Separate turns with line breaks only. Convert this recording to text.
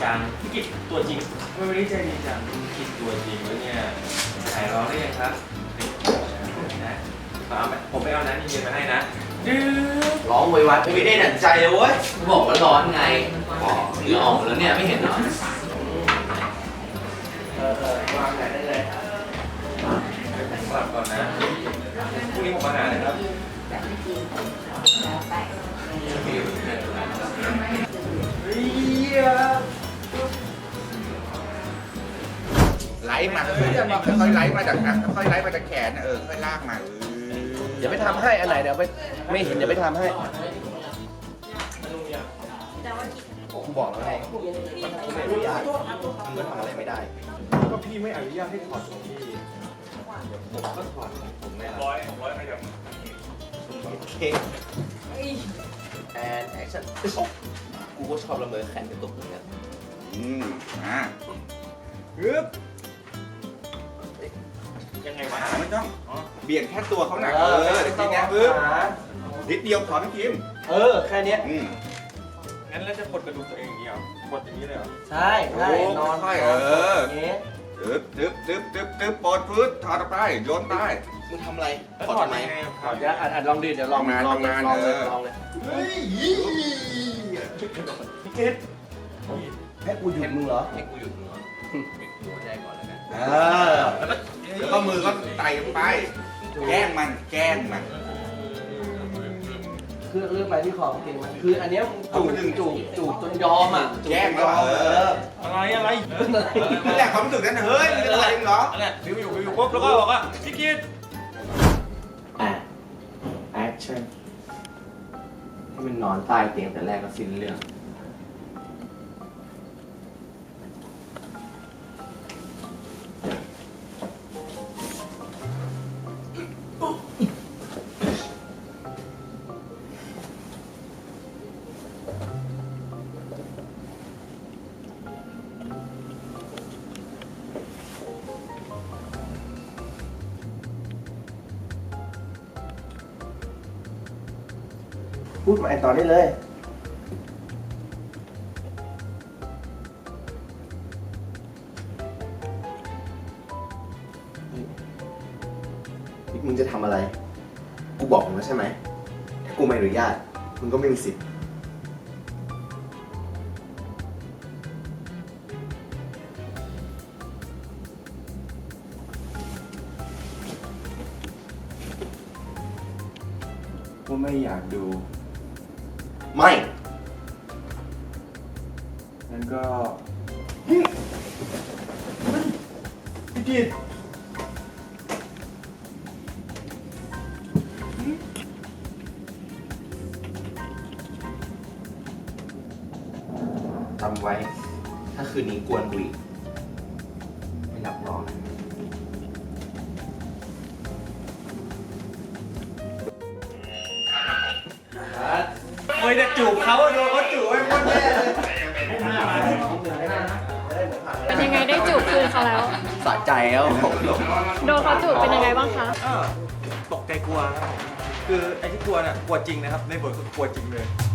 จังพี่กิตตัวจริงไม่ได้ใจดีจังพี่กิตตัวจริงแล้วเนี่ยหายร้อนได้ยังครับนะผมไปเอาน้ำเย็นๆมาให้นะดื้อ
ร้องไวๆไม่ได้ดั่งใจเลยเว้ยบอกว่าร้อนไงเหงื่อออกแล้วเนี่ยไม่เห็นเหรอ
วางแผนได้เลยผมกลับก่อนนะพรุ่งนี้ผมมาหานะครับ
ไหลมาค่อยๆไหลมาจากค่อยๆไหลมาจากแขนค่อยลากมา
เดี๋ยวไปทำให้อันไหนเดี๋ยวไปไม่เห็นเดี๋ยวไปทำให้กูบอกแล้วไงกูไม่อนุญาตมึงก็ทำอะไรไม่ได้ก็พี่ไม่อนุญาตให้ถอดของพี่ผมก็ถอดของผมไม่ได้ร้อยไปเดี๋ยวโอเคแอนแอคชั่นกูก็ชอบละเมอแขนกระตุกเหมือนกัน
ฮึบ
ยังไงวะ
ไม่ต้องเบี่ยงแค่ตัวเขาหนักเดี๋ยวทีนี้ฮึบนิดเดียวถอนพี่คิม
แค่นี้
งั้นแล้วจะกดกระดูกตัวเองอย่างนี้เหรอกดอย่างนี้เลยเหรอ
ใช่นอน
ค่อยตึ๊บปลดพื้นถอดออกไปโยนใต้
มึงทำอะไร
ถอดทำไม
เดี๋ยวอัดลองดิเดี๋ยวลองเลย
เฮ้ย
พี่เกดให้กูหยุดมึงเหรอ
ให้กูหยุดมึงเหรอปิดหัวใจก่อนแล้วกัน
แล้วก็มือก็ไต่ไปแกล้งมัน
คือเรื่องไปที่คอเก่งมันคืออันเนี้ยจูบจนยอมอ่ะ
แกล้งแล้ว
อะไร
นั่นแหละความรู้สึกนั้นเฮ้ยไม่อะไรเหรอ
นั่นแหละวิวอยู่ปุ๊บแล้วก็บอกว่าพี่กิต
แอคชั่นให้มันนอนใต้เตียงแต่แรกก็สิ้นเรื่องพูดมาต่อได้เลยมึงจะทำอะไรกูบอกมึงแล้วใช่ไหมถ้ากูไม่อนุญาตมึงก็ไม่มีสิทธิ์
กูไม่อยากดู
ไม่
งั้นก็พี่กิต
จำไว้ถ้าคืนนี้กวนกูอีกไม่หลับนอน
ไม่ได้จูบเขาโดนเขาจูบไอ้คนแย่เลย
เป็นยังไงได้จูบคืนเขาแล้ว
สะใจแล้ว
โดนเขาจูบเป็นยังไงบ้างคะ
ตกใจกลัวครับคือไอ้ที่กลัวน่ะกลัวจริงนะครับในบทก็กลัวจริงเลย